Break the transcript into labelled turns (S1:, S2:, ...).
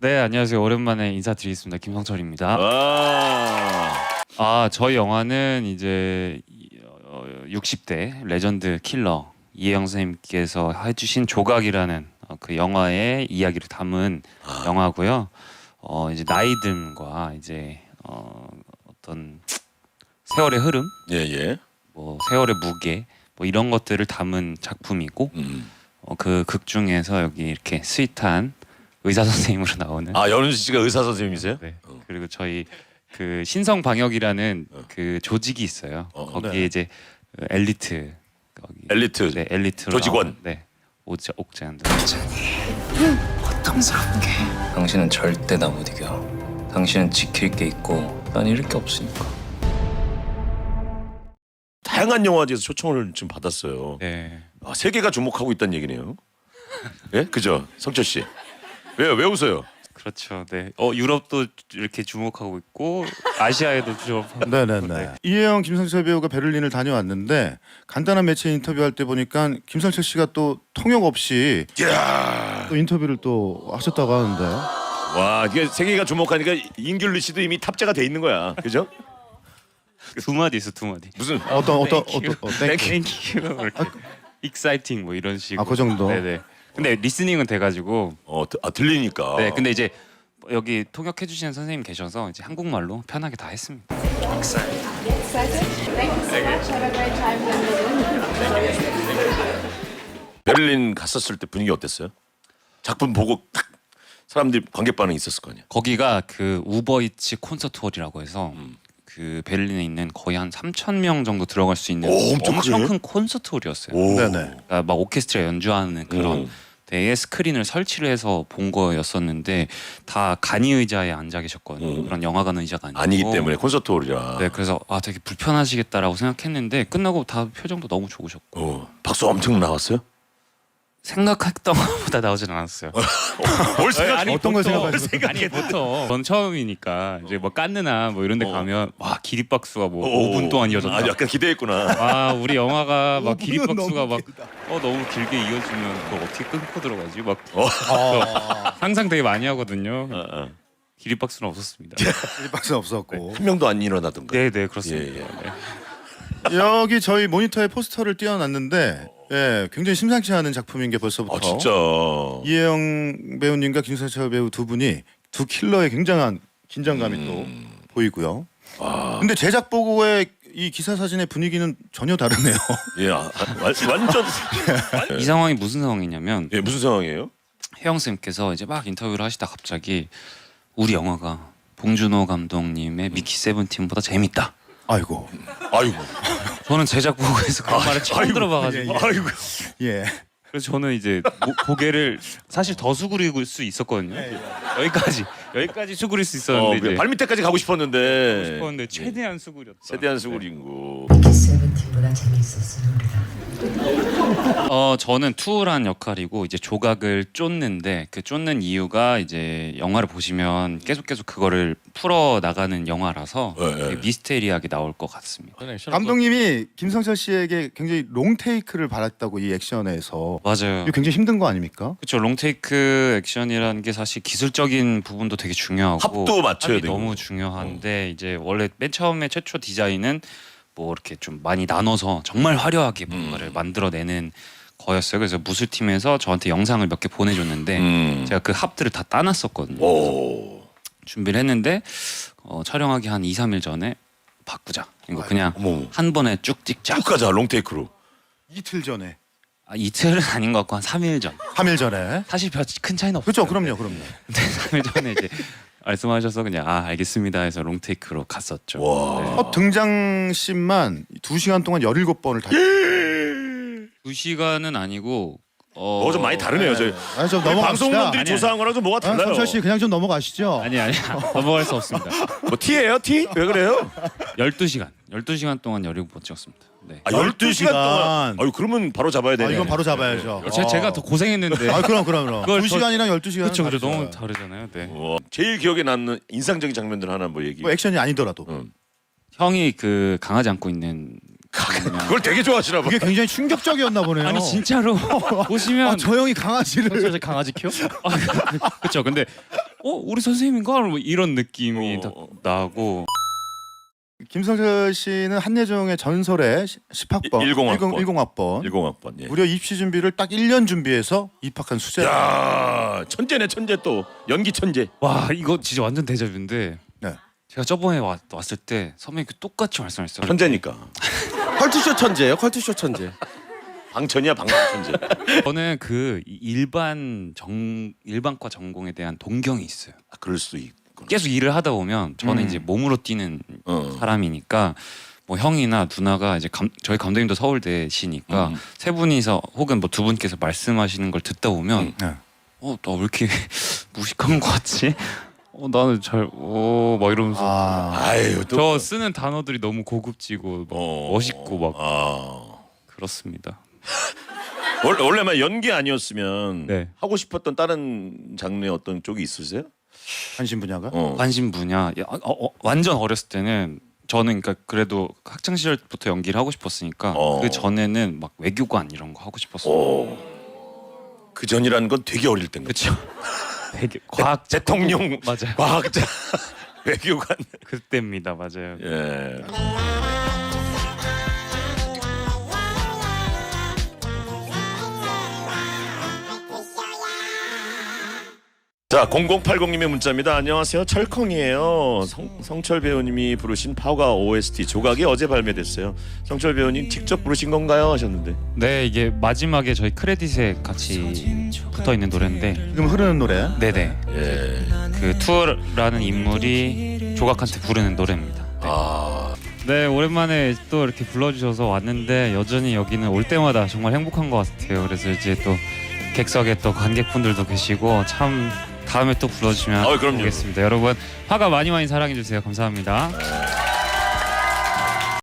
S1: 네, 안녕하세요. 오랜만에 인사드리겠습니다. 김성철입니다.
S2: 아,
S1: 저희 영화는 이제 60대 레전드 킬러 이혜영 선생님께서 해주신 조각이라는 그 영화의 이야기를 담은 영화고요. 이제 나이듦과 이제 어떤 세월의 흐름,
S2: 예.
S1: 뭐 세월의 무게, 뭐 이런 것들을 담은 작품이고, 그 극 중에서 여기 이렇게 스윗한 의사 선생님으로 나오는.
S2: 아, 연훈 씨가 의사 선생님이세요?
S1: 네. 그리고 저희 그 신성방역이라는 그 조직이 있어요. 거기에
S2: 네.
S1: 이제 그 엘리트
S2: 엘리트.
S1: 네, 엘리트로
S2: 조직원.
S1: 나오는, 네. 옥재현.
S3: 고통스럽게. 당신은 절대 나 못 이겨. 당신은 지킬 게 있고 난 잃을 게 없으니까.
S2: 다양한 영화제에서 초청을 좀 받았어요.
S1: 네.
S2: 아, 세계가 주목하고 있다는 얘기네요. 예? 그죠? 성철 씨. 왜 웃어요?
S1: 그렇죠. 네. 유럽도 이렇게 주목하고 있고 아시아에도 주목하고.
S4: 네네네. 이혜영, 김성철 배우가 베를린을 다녀왔는데 간단한 매체 인터뷰할 때 보니까 김성철 씨가 또 통역 없이
S2: 이야.
S4: 또 인터뷰를 또 하셨다고 하는데.
S2: 와, 이게 세계가 주목하니까 인귤리 씨도 이미 탑재가 돼 있는 거야. 그죠?
S1: 두 마디 있어, 두 마디.
S2: 무슨
S1: 땡큐. 이렇게 익사이팅 뭐 이런 식으로.
S4: 그 정도?
S1: 네네. 근데 리스닝은 돼가지고.
S2: 들리니까.
S1: 네. 근데 이제 여기 통역해 주시는 선생님 계셔서 이제 한국말로 편하게 다 했습니다.
S5: Excited? Thank you so much. Have a great time in Berlin.
S2: 베를린 갔었을 때 분위기 어땠어요? 작품 보고 딱 사람들이 관객 반응이 있었을 거 아니야.
S1: 거기가 그 우버이츠 콘서트 홀이라고 해서 그 베를린에 있는 거의 한 3,000명 정도 들어갈 수 있는
S2: 오, 엄청
S1: 엄청
S2: 크네.
S1: 큰 콘서트 홀이었어요.
S2: 오.
S4: 네네.
S1: 그러니까 막 오케스트라 연주하는 그런 데에 스크린을 설치를 해서 본 거였었는데 다 간이 의자에 앉아 계셨거든요. 그런 영화관 의자가 아니고.
S2: 아니기 때문에 콘서트 홀이라.
S1: 네, 그래서 되게 불편하시겠다라고 생각했는데 끝나고 다 표정도 너무 좋으셨고
S2: 박수 엄청 나왔어요?
S1: 생각했던 것보다 나오진 않았어요.
S2: 뭘 생각?
S4: 어떤 걸 생각하시고?
S1: 아니 보통 전 처음이니까 이제 뭐 깐느나 뭐 이런 데 가면 와 기립박수가 뭐 5분 동안 이어졌다.
S2: 아, 약간 기대했구나.
S1: 우리 영화가 막
S4: 5분은
S1: 기립박수가
S4: 너무
S1: 막 너무 길게 이어지면 그걸 어떻게 끊고 들어가지? 막
S4: 아,
S1: 상상 되게 많이 하거든요.
S2: 어.
S1: 기립박수는 없었습니다.
S4: 박스 없었고.
S2: 한 명도 안 일어나던가.
S1: 네, 그렇습니다.
S2: 예.
S1: 네.
S4: 여기 저희 모니터에 포스터를 띄워놨는데 굉장히 심상치 않은 작품인 게 벌써부터.
S2: 아, 진짜.
S4: 이혜영 배우님과 김성철 배우 두 분이 두 킬러의 굉장한 긴장감이 또 보이고요. 근데 제작 보고의 이 기사 사진의 분위기는 전혀 다르네요.
S2: 예, 완전.
S1: 이 상황이 무슨 상황이냐면
S2: 예, 무슨 상황이에요?
S1: 혜영 쌤께서 이제 막 인터뷰를 하시다 갑자기 우리 영화가 봉준호 감독님의 미키 세븐틴보다 재밌다.
S4: 아이고.
S1: 저는 제작 보고에서 그런 말을 처음 들어봐가지고
S2: 아이고.
S4: 예.
S1: 그래서 저는 이제 고개를 사실 더 수그릴 수 있었거든요. 여기까지 수그릴 수 있었는데 이제
S2: 발 밑에까지 가고 싶었는데.
S1: 싶었는데 최대한 수그렸다.
S2: 세대한 수구린고.
S6: 미키 세븐틴보다 재밌었어요 우리가.
S1: 저는 투울한 역할이고 이제 조각을 쫓는데 그 쫓는 이유가 이제 영화를 보시면 계속 그거를 풀어 나가는 영화라서 되게 미스테리하게 나올 것 같습니다.
S4: 감독님이 김성철 씨에게 굉장히 롱 테이크를 바랐다고 이 액션에서.
S1: 맞아요.
S4: 이거 굉장히 힘든 거 아닙니까?
S1: 그렇죠. 롱테이크 액션이라는 게 사실 기술적인 부분도 되게 중요하고
S2: 합도 맞춰야
S1: 합이
S2: 되고.
S1: 너무 중요한데 이제 원래 맨 처음에 최초 디자인은 뭐 이렇게 좀 많이 나눠서 정말 화려하게 뭔가를 만들어내는 거였어요. 그래서 무술팀에서 저한테 영상을 몇 개 보내줬는데 제가 그 합들을 다 따놨었거든요.
S2: 오.
S1: 준비를 했는데 촬영하기 한 2-3일 전에 바꾸자. 이거 그냥
S2: 어머.
S1: 한 번에 쭉 찍자.
S2: 쭉 가자, 롱테이크로.
S4: 이틀 전에.
S1: 이틀은 아닌 것 같고 한 3일 전.
S4: 3일 전에.
S1: 사실 별 큰 차이는 없어요.
S4: 그렇죠. 그럼요.
S1: 근데 3일 전에 이제 말씀하셔서 그냥 알겠습니다 해서 롱테이크로 갔었죠.
S2: 와.
S1: 네.
S4: 등장씬만 2시간 동안 17번을 다.
S1: 2시간은 아니고
S2: 좀 많이 다르네요. 저희
S4: 아니 좀
S2: 우리
S4: 넘어갑시다.
S2: 방송분들이
S1: 아니,
S2: 조사한 거랑 좀 뭐가 달라요.
S4: 성철 씨 그냥 좀 넘어가시죠.
S1: 아니 넘어갈 수 없습니다.
S2: 뭐 티예요? 티? 왜 그래요?
S1: 12시간 동안 17번 찍었습니다. 네.
S2: 12시간 동안.
S4: 12시간.
S2: 아유, 그러면 바로 잡아야 되네.
S4: 이건 바로 잡아야죠.
S1: 제가 더 고생했는데.
S4: 그럼.
S1: 그걸
S4: 2시간이랑 12시간.
S1: 그렇죠. 너무 다르잖아요. 네.
S2: 제일 기억에 남는 인상적인 장면들 하나 뭐 얘기.
S4: 뭐 액션이 아니더라도.
S1: 형이 그 강아지 안고 있는
S2: 그걸 되게 좋아하시나 봐.
S4: 그게 굉장히 충격적이었나 보네요.
S1: 아니 진짜로 보시면
S4: 아, 저 형이 강아지를
S1: 강아지 키워? 그렇죠. 근데 우리 선생님인가? 뭐 이런 느낌이 딱 나고.
S4: 김성철 씨는 한예종의 전설의 10학번
S2: 10학번.
S4: 10학번
S2: 10학번. 예.
S4: 무려 입시 준비를 딱 1년 준비해서 입학한 수재.
S2: 야, 천재네 천재 또 연기 천재.
S1: 와 이거 진짜 완전 데자뷰인데.
S4: 네.
S1: 제가 저번에 왔을 때 선배님 똑같이 말씀하셨어요.
S2: 천재니까.
S7: 컬투쇼 천재예요. 컬투쇼 천재.
S2: 방천이야 방천 천재.
S1: 저는 그 일반과 전공에 대한 동경이 있어요.
S2: 아, 그럴 수 있구나.
S1: 계속 일을 하다 보면 저는 이제 몸으로 뛰는 사람이니까 뭐 형이나 누나가 이제 저희 감독님도 서울대시니까 세 분이서 혹은 뭐 두 분께서 말씀하시는 걸 듣다 보면
S4: 네.
S1: 나 왜 이렇게 무식한 것 같지? 나는 막 이러면서
S2: 아유 또.
S1: 저 쓰는 단어들이 너무 고급지고 막 멋있고 막
S2: 아.
S1: 그렇습니다.
S2: 원래만 연기 아니었으면
S1: 네.
S2: 하고 싶었던 다른 장르의 어떤 쪽이 있으세요?
S4: 관심 분야가?
S1: 관심 분야 완전 어렸을 때는 저는 그러니까 그래도 학창 시절부터 연기를 하고 싶었으니까 그 전에는 막 외교관 이런 거 하고 싶었어요.
S2: 그 전이라는 건 되게 어릴 때인 거죠.
S1: 그렇죠. 되게 과학
S2: 대통령
S1: 맞아요.
S2: 과학자 외교관.
S1: 그때입니다. 맞아요.
S2: 예. 자 0080님의 문자입니다. 안녕하세요. 철컹이에요. 성철 배우님이 부르신 파가 OST 조각이 어제 발매됐어요. 성철 배우님 직접 부르신 건가요? 하셨는데.
S1: 네 이게 마지막에 저희 크레딧에 같이 붙어 있는 노래인데
S4: 지금 흐르는 노래.
S1: 네네
S2: 예.
S1: 그 투어라는 인물이 조각한테 부르는 노래입니다. 네 오랜만에 또 이렇게 불러주셔서 왔는데 여전히 여기는 올 때마다 정말 행복한 것 같아요. 그래서 이제 또 객석에 또 관객분들도 계시고 참 다음에 또 불러주시면
S2: 그럼요.
S1: 보겠습니다. 여러분 화가 많이 사랑해 주세요. 감사합니다.